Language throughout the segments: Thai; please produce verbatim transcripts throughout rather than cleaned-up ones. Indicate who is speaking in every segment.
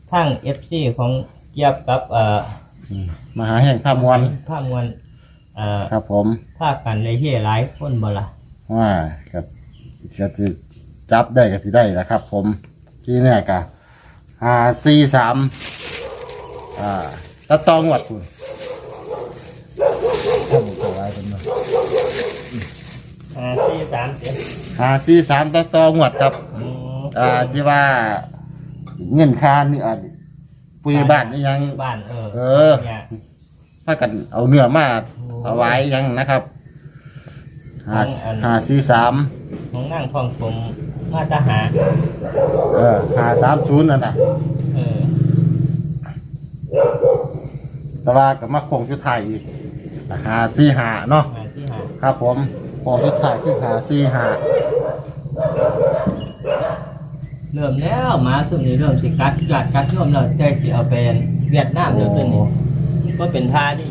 Speaker 1: ทั้ง เอฟ ซี ของเกียบกับเอ่อ
Speaker 2: มหาแห่งภาพมวล
Speaker 1: ภาพมวลเอ่อ
Speaker 2: ครับผม
Speaker 1: ภาคกันเลยเฮียหลายคนบ่ล่ะ
Speaker 2: ว่าก็ก็สิจับได้ก็สิได้แหละครับ ผมที่เนี่ยก็ห้าสี่สามอ่าตะตองวัดคุณท่านตัวไว้เป็นมา
Speaker 1: ห้าสี่สามเจ็ด
Speaker 2: ห้าสี่สามตะตองวัดครับอ่าที่ว่าเงินค่านี่อ่ะปุยบ้านนี่ยัง
Speaker 1: บ้านเออ
Speaker 2: เออถ้ากันเอาเนื้อมาเอาไว้ยังนะครับห้าห้าสี่สาม
Speaker 1: ของนั่งทองผมมาตาหา
Speaker 2: เออห้าสามศูนย์นั่นน่ะ
Speaker 1: เออ
Speaker 2: แต่ว่ากับมาคงชุดไทยหาสี่หาเนาะครับผมคงชุดไทยคือหาสี่หา
Speaker 1: เริ่มแล้วมาสุดนี้เริ่มสิกัดกัดกัดย่อมเราใจสิเอาเป็นเวียดนามเดี๋ยวตัวนี้ก็เป็นท่าดิ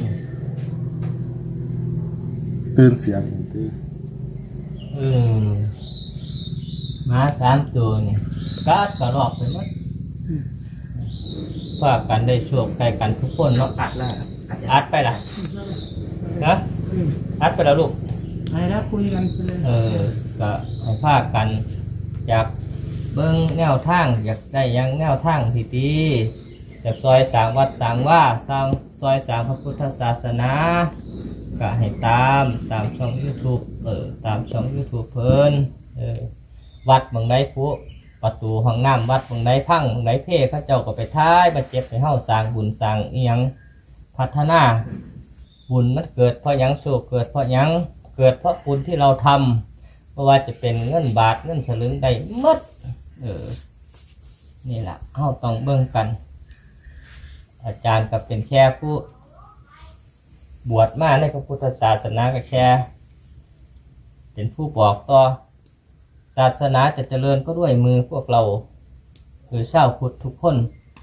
Speaker 2: ตื่นเสียงตื่น
Speaker 1: เออมาสามตัวนี่กัดกระรอกไปหมดฝากกันได้โชคใกล้กันทุกคนเนาะอัดแล้วอัดไปละนะอัดไปแล้วลูก
Speaker 3: ไปแล้วคุยกันไปเลย
Speaker 1: เออก็ให้ฝากกันอยากเบิ้งแนวทางอยากได้ยังแนวทางที่ดีจะซอยสามวัดสามว่าสร้างซอยสามพระพุทธศาสนาก็ให้ตามตามช่อง YouTube เออตามช่อง YouTube เพิ่นเออวัดบางไดผู้ประตูห้องน้ำวัดบางไดพังบางไดเพ่พระเจ้าก็ไปท้ายมาเจ็บให้เฮาสร้างบุญสร้างอีหยังพัฒนาบุญมันเกิดเพราะหยังโชคเกิดเพราะหยังเกิดเพราะบุญที่เราทำเพราะว่าจะเป็นเงินบาทเงินสลึงได้หมดเออนี่แหละเฮาต้องเบิ่งกันอาจารย์ก็เป็นแค่ผู้บวชมาในพระพุทธศาสนาก็แค่เป็นผู้บอกต่อศาสนาจะเจริญก็ด้วยมือพวกเราคือชาวพุทธทุกคน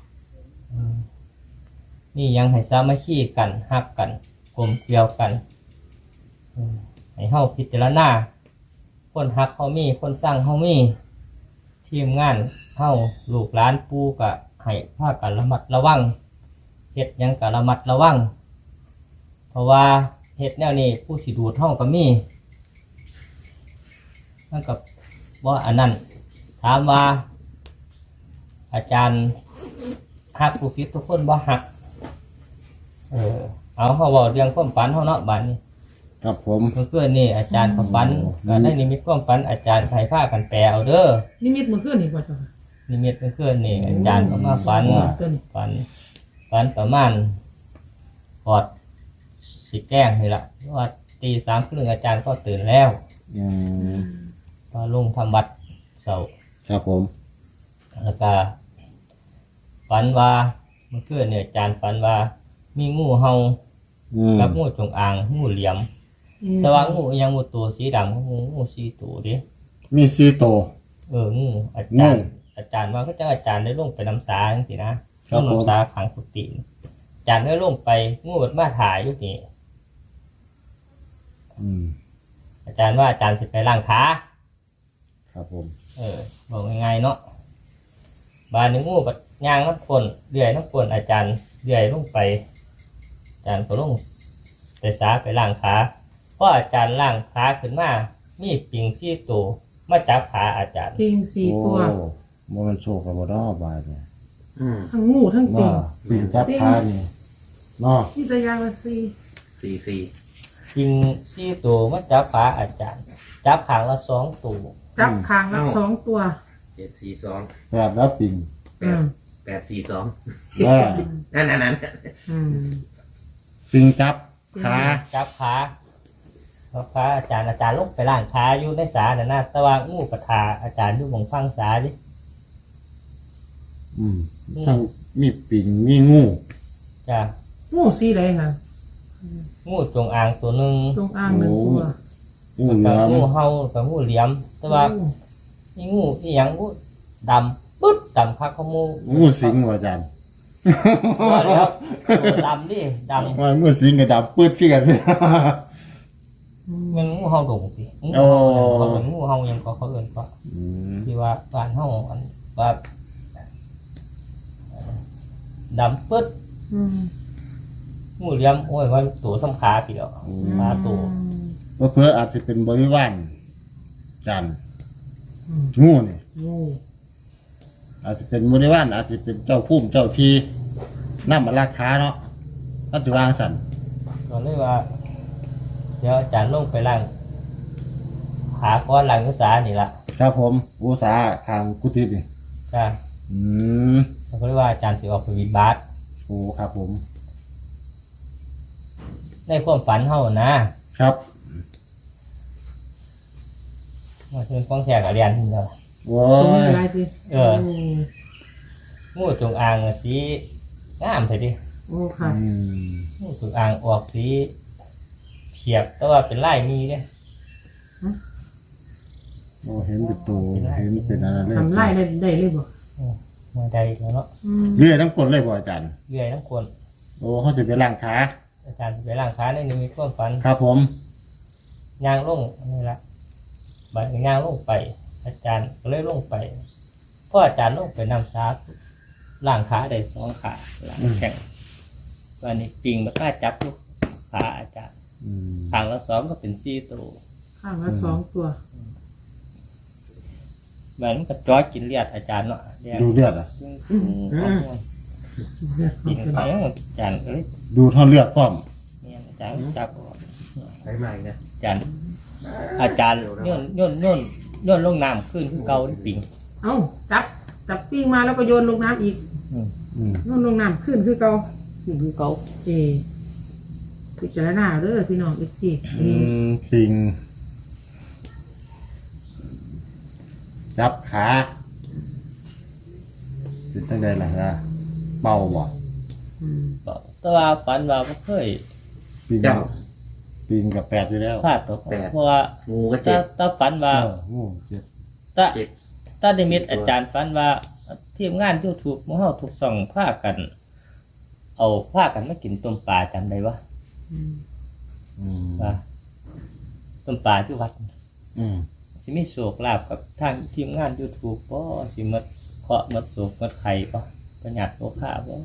Speaker 1: นี่ยังให้สามัคคีกันฮักกันกลมเกลียวกันให้เฮาพิจารณาคนฮักเฮามีคนสร้างเฮามีทีมงานเฮาลูกหลานปู่ก็ให้พากันระมัดระวังเฮ็ดยังก็ระมัดระวังเพราะว่าเฮ็ดแนวนี้ผู้สิดูดเฮาก็มีนั่นก็ว่าอันนั้นถามว่าอาจารย์ฮักลูกศิษย์ทุกคนบ่ฮักเออเอาเขาบอกเรื่องความฝันเขาเนาะบัดนี้
Speaker 2: ครับผม
Speaker 1: เมื่อคืนนี่อาจารย์ความฝันก็ได้นิมิตความฝันอาจารย์ไทยผ้ากันแปลเอาเด้อ
Speaker 3: นิมิตเมื่อคืนนี่ก่อนจ้ะ
Speaker 1: นิมิตเมื่อคืนนี่อาจารย์ก็มาฝันฝันฝันประมาณกอดสิแกล้งนี่แหละว่าตีสามครึ่งอาจารย์ก็ตื่นแล้วพอลงทำวัดเสาร์
Speaker 2: ครับผม
Speaker 1: แล้วก็ฝันว่าเมื่อคืนเนี่ยอาจารย์ฝันว่ามีงูเห่ากับงูจงอางงูเหลี่ยมแต่ว่างูยังงูตัวสีดำงูงูสีตัวดิ
Speaker 2: มีสีตัว
Speaker 1: เอองูอาจารย์อาจารย์ว่าก็จะอาจารย์ได้ลงไปน้ำสาจังสินะลงน้ำสาขังกุฏิอาจารย์ได้ลงไปงูแบบมาถ่ายอยู่นี่อาจารย์ว่าอาจารย์สิไปล้างขา
Speaker 2: ครับผม
Speaker 1: เออบอกง่ายๆเนาะบานในงูปัดย่างน้ำฝนเลื่อยน้ำฝนอาจารย์เลื่อยลงไปอาจารย์ก็ลงไปสาไปล้างขาเพราะอาจารย์ล้างขาขึ้นมามีปิงซี่ตัวมาจับขาอาจารย์
Speaker 3: ปิงสี่ตัว
Speaker 2: มันโชคกับบ่ดอบายเลย
Speaker 3: ทั้งงูทั้งปิง
Speaker 2: ปิงจับขานี่เนาะ
Speaker 3: ที่จะยางละสี่
Speaker 4: สี่สี่
Speaker 1: ปิงซี่ตัวมาจับขาอาจารย์จับขางละสองตัว
Speaker 3: จับขางละสองตัว
Speaker 4: เจ็ดสี่สอง
Speaker 2: แปดแล้วปิง
Speaker 4: แปดแปดสี่สอง
Speaker 2: นั่
Speaker 4: นนั่นนั่น
Speaker 2: ปิงจับขา
Speaker 1: จับขาพระอาจารย์อาจารย์ลงไปล้างขาอยู่ในสาเนี่ยนะตะวันงูกระทาอาจารย์อยู่บนฟังสาดิ
Speaker 2: อืมทั้งมีปิงมีงู
Speaker 1: จ้ะ
Speaker 3: งูสีอะไรคะ
Speaker 1: งูจงอางตัวหนึ่ง
Speaker 3: จงอางหนึ่งตัว
Speaker 1: งูเหลี่ยมงูเห่ากับงูเหลี่ยมแต่ว่านี่งูที่ยังงูดำปึ๊ดดำคักขโมย
Speaker 2: งูสิงอาจารย์
Speaker 1: ว่าแล้วดำดิดำ
Speaker 2: ว่างูสิงกับดำปึ๊ดที่กัน
Speaker 1: มันงูเห่าดงสิงูเขาเหมือนงูเห่ายังก็เขาเอื่นก็ที่ว่าบ้านเห่าอันว่าดำปึ๊ด
Speaker 3: อืม
Speaker 1: งูเหลี่ยมโอ้ยว่าตัวสำขาพี่ดอกขาตัว
Speaker 2: ว่าเพื่ออาจจะเป็นบริวารจันทร์
Speaker 3: อืม
Speaker 2: งูนี่
Speaker 3: งู
Speaker 2: อาจจะเป็นบริวารอาจจะเป็นเจ้าพุ่มเจ้าทีน้ำมาราคาเนาะปัจจุบันสัน
Speaker 1: ก็เลยว่า เดี๋ยวอาจารย์ลงไปล้างขาก้อนล้างกระสานี่ละ
Speaker 2: ครับผมอุตสาห์ทางกุฏินี่
Speaker 1: จ้า
Speaker 2: อืม
Speaker 1: เขาก็เลยว่าอาจารย์สิออกไปวิดบาส
Speaker 2: โอ้ครับผม
Speaker 1: ในความฝันเฮานะครับ มาถึงฟ้องแทกกับเรียนที่เดียว
Speaker 2: โอ้
Speaker 3: ตรงนี้
Speaker 2: ย
Speaker 3: อะไรสิ
Speaker 1: เออ งูจงอางอะสีงามเถิดดิ
Speaker 3: โอ้ค่ะ
Speaker 2: อืม
Speaker 1: งูจงอางออกสีเขียบแต่ว่าเป็นลายมีเนี่ย
Speaker 2: โอ้เห็นเป็นตัวเห็นเป็นอะไรเลย
Speaker 3: ทำไล่ได้ได้เลยบ่
Speaker 1: มาใดแล้วเนาะ
Speaker 3: อืม
Speaker 2: เรื่อยน้ำกลดเลยบ่อาจารย์
Speaker 1: เรื่อยทั้งคน
Speaker 2: โอ้เขาจะไปล้างขา
Speaker 1: อาจารย์สิไปล้างขาในนี้มีความฝัน
Speaker 2: ครับผม
Speaker 1: ย่างลงนี่ละบัดย่างลงไป อาจารย์ก็เลยลงไปเพราะอาจารย์ลงไปนำซาล่างขาได้สองขาล่างแข็งวันนี้ปิงมาฆ่าจับทุกขาอาจารย์
Speaker 2: อืม
Speaker 1: ทางละสองก็เป็นสี่ตัว
Speaker 3: ข้างละสองตัว
Speaker 1: เหมือนกับจ้อยกินเลือดอาจารย์เนาะเลือด
Speaker 2: ดูเลือดอ่ะ
Speaker 1: อืมปิงไปอาจารย์ก็เลย
Speaker 2: ดูเท่าเลือดพร้อม
Speaker 1: เนี่ยอาจารย์จับ
Speaker 4: ใช้ใหม่นะ
Speaker 1: อาจารย์ อาจารย์โย่นโย่นโย่นโย่นลงน้ำขึ้นคือเก่าที่ปิง
Speaker 3: เอ้าจับจับปิ้งมาแล้วก็โยนลงน้ำอีก
Speaker 1: อืม
Speaker 2: อืม
Speaker 3: โยนลงน้ำขึ้นคือเก่า
Speaker 1: ขึ้นคือเก่า
Speaker 3: เอพิจารณาเด้อพี่น้องเอฟซี
Speaker 2: อืมปิงจับขาเป็นตั้งใดล่ะฮะเบาบ่
Speaker 1: แต่ว่าฝันว่าบ่เคย
Speaker 2: ปิงปิงกับแปดอยู่แล้ว
Speaker 1: พลาดตกเพราะว่า
Speaker 4: งูก็
Speaker 1: ถ้า
Speaker 4: เจ็บ
Speaker 1: ถ้าฝันว่า
Speaker 2: เอองูเจ็บ
Speaker 1: ถ้า
Speaker 4: เจ็บ
Speaker 1: ถ้าได้มิตอาจารย์ฝันว่าทีมงานยูทูบของเฮาทุกส่องพากัน เอาพากันมากินต้มปลาจำได้ปะ
Speaker 2: อืม
Speaker 1: ว่าต้มปลาที่วัด
Speaker 2: อืม
Speaker 1: สิมีโศกลาบกับทางทีมงานยูทูบป่สิหมดเคาะหมดโศกหมดไข่ป่ประหยัดโลค่าป่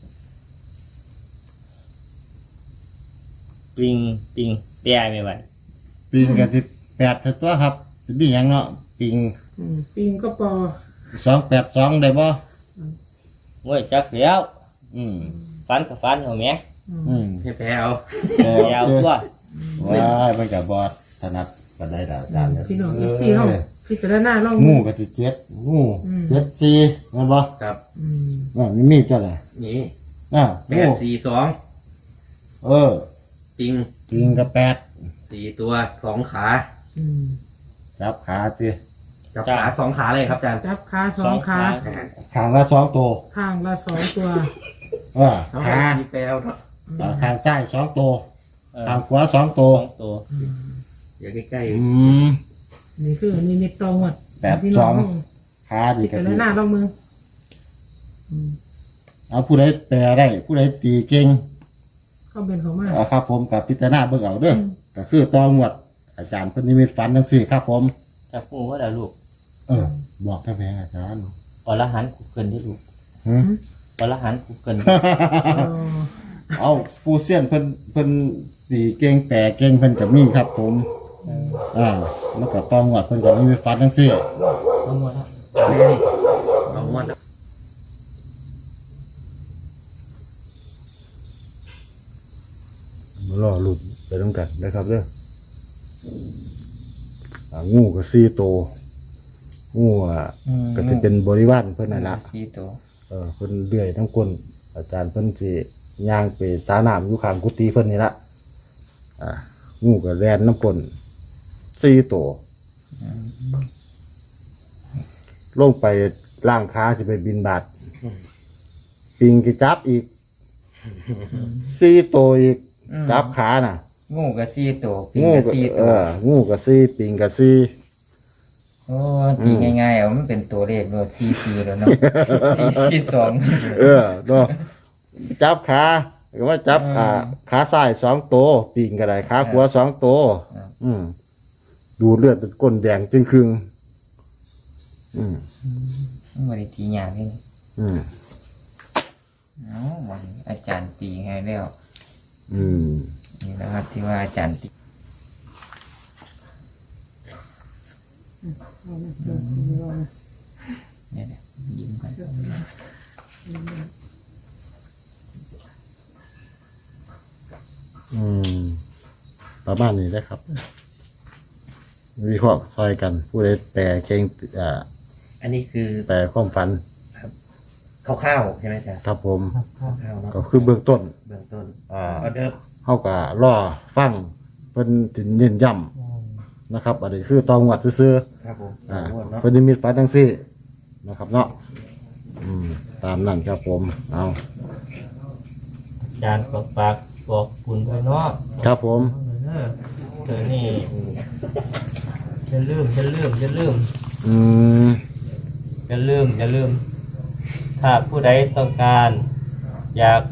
Speaker 1: ปิงปิงแปรไม่ไหว
Speaker 2: ปิงกับสิบแปดเท่าตัวครับสิบีหยังเนาะปิง
Speaker 3: อืมปิ้งก็ปอ
Speaker 2: สองแปดสองได้บ่
Speaker 1: งวยจักแล้ว
Speaker 2: อืม
Speaker 1: ฟันกับฟันเหรอแม่
Speaker 3: อืม
Speaker 2: อืม
Speaker 4: ให้แพ้เอา
Speaker 2: แต่
Speaker 1: ยาวตัว
Speaker 2: ว้ายมันกับบอดถนัดกันได้ละอาจารย์เนี่ย
Speaker 3: พี่น้องเอฟซีเฮาพิจารณาลอง
Speaker 2: งูกับสิเจ็ดงู
Speaker 3: อืม
Speaker 2: เจ็ดสี่แม่นบ่
Speaker 4: ครับ
Speaker 3: อืม
Speaker 2: อ่านี่มีเจ้าไหน
Speaker 4: นี่
Speaker 2: อ่า
Speaker 4: แป
Speaker 2: งู
Speaker 4: ดสี่สอง
Speaker 2: เออ
Speaker 4: ปิง
Speaker 2: ปิงกับแปด
Speaker 4: สี่ตัวสองขา
Speaker 3: อืม
Speaker 2: จับขาสิ
Speaker 4: จับขาสองขาเลยครับอาจารย์
Speaker 3: จับขาสองขา
Speaker 2: ขางละสองตัว
Speaker 3: ข้างละสองตัว
Speaker 2: เออ
Speaker 4: เอา
Speaker 2: ขา
Speaker 4: มีแปลวเนาะ
Speaker 2: อ่าขางซ้ายสองตัว
Speaker 1: เออ
Speaker 2: ขางขวาสองตัว
Speaker 1: สองตัว
Speaker 3: อืม
Speaker 4: เดี๋ยวใกล้
Speaker 2: อืม
Speaker 3: นี่คือนี่มิตตองหมด
Speaker 2: แปด
Speaker 3: พี่
Speaker 2: ส
Speaker 3: น้
Speaker 2: อ
Speaker 3: อง
Speaker 2: ง ขาดี
Speaker 3: พิ
Speaker 2: กัน
Speaker 3: จารณาลองมืออืม
Speaker 2: เอาผู้ใดแปลได้ผู้ใดตีเก่ง
Speaker 3: ก็เป็นของมา
Speaker 2: เอาครับผมกับพิจารณาเบิ่งเอาเด้ออ
Speaker 3: ม
Speaker 2: ก็คือตองวด อาจารย์เพิ่นนิมิตฝันจังซี่ครับผม
Speaker 1: จับงูว่าเดี๋ยวลูก
Speaker 2: เออ บอกแค่แพงอาจารย์
Speaker 1: อรหันต์กูเกินที่ลูก
Speaker 2: หึ
Speaker 1: อรหันต์กูเกิน
Speaker 3: เออ
Speaker 2: เอาผู้เสี้ยนเพิ่นเพิ่นสีเก่งแปรเก่งเพิ่นก็มีครับผม อ่าแล้วก็ตองวดเพิ่นก็นิมิตฝันจังซี่
Speaker 1: เอาหมดแล้ว
Speaker 4: ๆนี่เอางวด
Speaker 2: มารอลุ้นไปนํกันนะครับเด้ออ่างูก็สี่ตัวงูอ่ะก็สิเป็นบริวารเพิ่นนั่นล่ะ
Speaker 1: สี่ตัว
Speaker 2: เออเพิ่นเลื่อยทั้งก้นอาจารย์เพิ่นสิย่างไปสาน้ำอยู่ข้างกุฏิเพิ่นนี่ละอ่างูก็แล่นน้ำก้นสี่ตัวลงไปล่างขาสิไปบินบาทปิงกิจับอีกสี่ตัวอีกจับขาน่ะ
Speaker 1: งูกับสี่ตัวปิง
Speaker 2: งู
Speaker 1: กับ
Speaker 2: ก็
Speaker 1: สี่
Speaker 2: เอ
Speaker 1: ตัว
Speaker 2: องูก็สี่ปิงก็สี่
Speaker 1: โอ้ตีง่ายๆเอามันเป็นตัวเลขโดดสี่สี่แล้วเนาะ สี่สี่สอง
Speaker 2: เออเนาะจับขาก็ว่าจับ
Speaker 1: อืม
Speaker 2: อ่าขาซ้ายสองตัวปิงก็ได้ขาขวาสองตัว
Speaker 1: อืม
Speaker 2: อืมดูเลือดเป็นก้นแดงจึงครึ่งอืม
Speaker 1: มันไม่ได้ตีอย่างนี้
Speaker 2: อืม
Speaker 5: เอาวันนี้อาจารย์ตีให้แล้ว
Speaker 2: อืม
Speaker 5: นี่นะครับที่ว่าอาจารย์ตี
Speaker 3: เอามาเดี๋ยวเอามา
Speaker 5: เนี่ยเนี่ยยิ้มกัน
Speaker 2: อืมประมาณนี้นะครับวิเคราะห์ซอยกัน ผู้ใดแปลเก่งอ่า
Speaker 4: อันนี้คือ
Speaker 2: แปลความฝัน
Speaker 4: คร่าวๆใช่ไหมอาจารย์
Speaker 2: ครับผม
Speaker 4: คร่าวๆเนาะ
Speaker 2: ก็คือเบื้องต้น
Speaker 4: เบื้องต้น
Speaker 2: อ่า
Speaker 4: ออเดิร์ฟ
Speaker 2: เฮาก็รอฟังเพิ่นถึงเน้นย้ำนะครับ อันนี้คือตองวัดซื่อ
Speaker 4: ครับผม
Speaker 2: ๆอ่า
Speaker 4: งวดเนาะ
Speaker 2: เพิ่นนิมิตฝันจังซี่นะครับเนาะอืมตามนั้นครับผมเอา
Speaker 1: อาจารย์บอกปากบอกคุณไปเนาะ
Speaker 2: ครับผม
Speaker 1: เออเธอนี่จะลืมจะลืมจะลืม
Speaker 2: อืม
Speaker 1: จะลืมจะลืม ถ้าผู้ใดต้องการ อยาก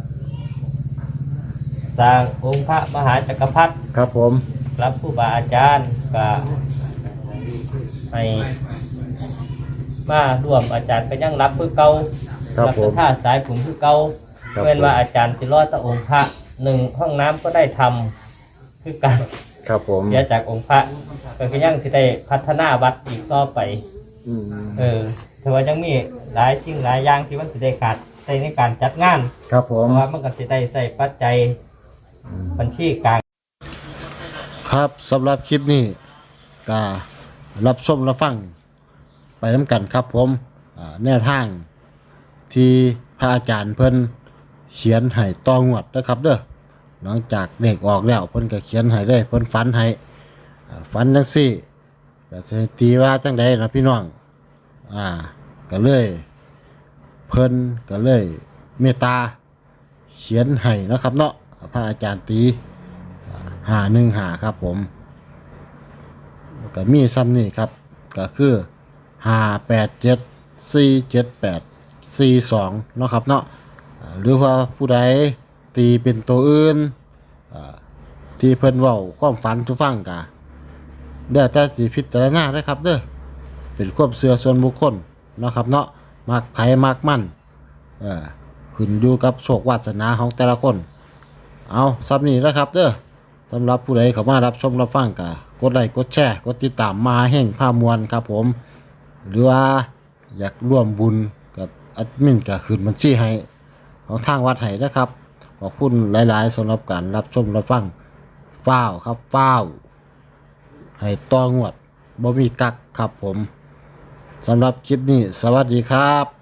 Speaker 1: สร้างองค์พระมหาจักรพรรดิ
Speaker 2: ครับผม
Speaker 1: รับผู้บาอาจารย์ก็ให้มาร่วมอาจารย์ก็ยังรับคือเก่า
Speaker 2: ครับ
Speaker 1: รับ
Speaker 2: ผม
Speaker 1: ท่าสายผมคือเก่า
Speaker 2: ครับ
Speaker 1: เว้นว่า
Speaker 2: ผม
Speaker 1: อาจารย์สิรอดตะองค์พระหนึ่งห้องน้ำก็ได้ทำคือการ
Speaker 2: ครับผม
Speaker 1: เสียจากองค์พระก็ยังสิได้พัฒนาวัดอีกต่อไป
Speaker 2: อืม
Speaker 1: เออแต่ว่ายังมีหลายสิ่งหลายอย่างที่มันสิได้ขาดใช้ในการจัดงาน
Speaker 2: ครับผ
Speaker 1: เพ
Speaker 2: ม
Speaker 1: ราะว่ามันก็สิได้ใส่ปัจจัยบัญชีกลาง
Speaker 2: ครับสำหรับคลิปนี้ก็รับชมรับฟังไปน้ำกันครับผมอ่าแนวทางที่พระอาจารย์เพิ่นเขียนให้ตองวดนะครับเด้อหลังจากเลขออกแล้วเพิ่นก็เขียนให้เลยเพิ่นฝันให้อ่าฝันจังซี่ก็สิให้ตีว่าจังใดล่ะพี่น้องอ่าก็เลยเพิ่นก็เลยเมตตาเขียนให้นะครับเนาะพระอาจารย์ตีห้าหนึ่งห้าครับผมก็มีซ้ำนี่ครับก็คือห้าแปดเจ็ดสี่เจ็ดแปดสี่สองเนาะครับเนาะอ่าหรือว่าผู้ใดตีเป็นตัวอื่นอ่าที่เพิ่นเว้าความฝันทุกฟังกะเดี๋ยวแต่สิพิจารณาได้ครับเด้อเป็นความเชื่อส่วนบุคคลเนาะครับเนาะมักไผมักมันเออขึ้นอยู่กับโชควาสนาของแต่ละคนเอาซ้ำนี้นะครับเด้อสำหรับผู้ใดเข้ามารับชมรับฟังกะกดไลค์กดแชร์กดติดตามมาแห่งผ้ามวลครับผมหรือว่าอยากร่วมบุญกับแอดมินก็ขึ้นบัญชีให้ของทางวัดให้นะครับขอบคุณหลายๆสำหรับการรับชมรับฟังฟ้าวครับฟ้าวให้ต่องวดบ่มีกักครับผมสำหรับคลิปนี้สวัสดีครับ